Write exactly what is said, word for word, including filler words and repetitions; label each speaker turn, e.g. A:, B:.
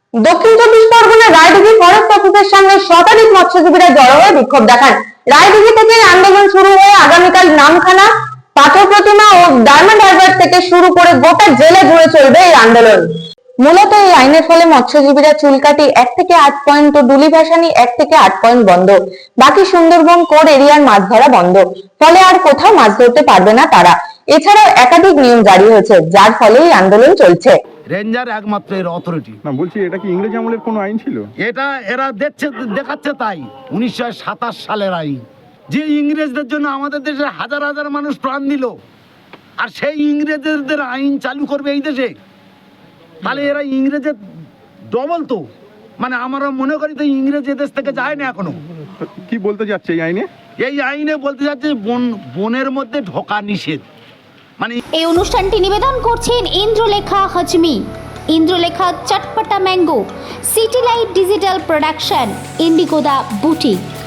A: দক্ষিণ চব্বিশ পরগনার রায়দিঘি ফরেস্ট অফিসের সামনে শতাধিক মৎস্যজীবীরা জড়ো হয়ে বিক্ষোভ দেখান। রায়দিঘি থেকে আন্দোলন শুরু হয়ে আগামীকাল নামখানা, পাথর প্রতিমা ও ডায়মন্ড হারবার থেকে শুরু করে গোটা জেলা জুড়ে চলবে এই আন্দোলন। মূলত এই আইনের ফলে মৎস্যজীবীরা চুলকাটি এক থেকে আট পয়েন্ট ও ডুলি ভাসানি এক থেকে আট পয়েন্ট বন্ধ, বাকি সুন্দরবন কোর এরিয়ার মাছ ধরা বন্ধ, ফলে আর কোথাও মাছ ধরতে পারবে না তারা। এছাড়াও একাধিক নিয়ম জারি হয়েছে, যার ফলে এই আন্দোলন চলছে।
B: রেঞ্জার একমাত্র এর অথরিটি।
C: না বলছি, এটা কি ইংরেজ আমলের কোনো আইন ছিল?
B: এটা এরা দেখছে দেখাচ্ছে তাই উনিশশো সাতাশ সালের আইন, যে ইংরেজদের জন্য আমাদের দেশে হাজার হাজার মানুষ প্রাণ দিল, আর সেই ইংরেজদের আইন চালু করবে এই দেশে। তাহলে এরা ইংরেজের ডবল তো, মানে আমরা মনে করি তো ইংরেজ এদেশ থেকে যায় না এখনো।
C: কি বলতে যাচ্ছে এই আইনে?
B: এই আইনে বলতে যাচ্ছে বন বনের মধ্যে ঢোকা নিষেধ। মানে
D: এই অনুষ্ঠানটি নিবেদন করছেন Indralekha Hajmi, Indralekha Chatpata mango, city light digital production, ইন্ডিগোদা বুটিক।